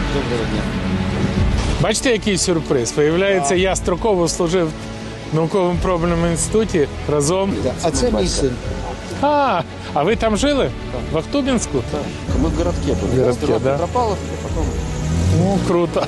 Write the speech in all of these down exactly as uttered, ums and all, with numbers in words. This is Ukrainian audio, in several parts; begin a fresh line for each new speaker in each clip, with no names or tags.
Доброго дня.
Бачите, який сюрприз? Виявляється, я строково служив в науково-пробному інституті разом.
А це мій син.
А, а ви там жили? В Ахтубінську?
Ми в городке були.
В городке,
Сперва
да.
Петропавловка, потім...
Ну, круто.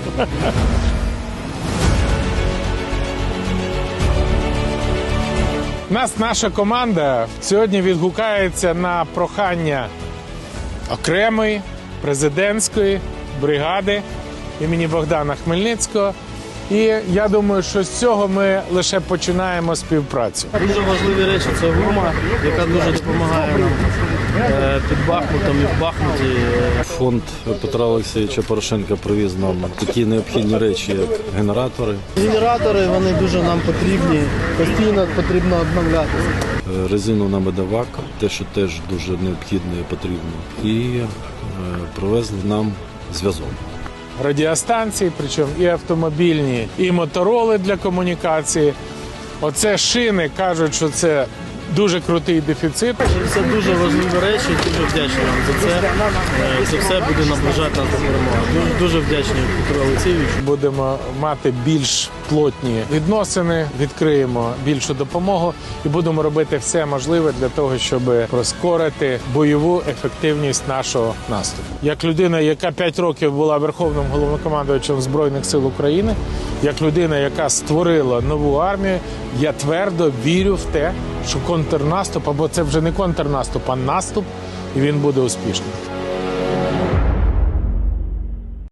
Нас, наша команда сьогодні відгукається на прохання окремої президентської бригади імені Богдана Хмельницького. І я думаю, що з цього ми лише починаємо співпрацю.
Дуже важливі речі – це гума, яка дуже допомагає нам е, під Бахмутом і в Бахмуті.
Фонд Петра Олексійовича Порошенка привіз нам такі необхідні речі, як генератори,
Генератори, вони дуже нам потрібні, постійно потрібно обновлятися.
резину на медовак, те, що теж дуже необхідно і потрібно, і е, привезли нам зв'язок.
Радіостанції, причому і автомобільні, і мотороли для комунікації. Оце шини, кажуть, що це дуже крутий дефіцит.
Це дуже важливі речі, дуже вдячні вам за це. Е, Це все буде наближати нас до перемоги. Дуже, дуже вдячні Петру Олексійовичу.
Будемо мати більш плотні відносини, відкриємо більшу допомогу і будемо робити все можливе для того, щоб прискорити бойову ефективність нашого наступу. Як людина, яка п'ять років була верховним головнокомандувачем Збройних сил України, як людина, яка створила нову армію, я твердо вірю в те, що контрнаступ, або це вже не контрнаступ, а наступ, і він буде успішним.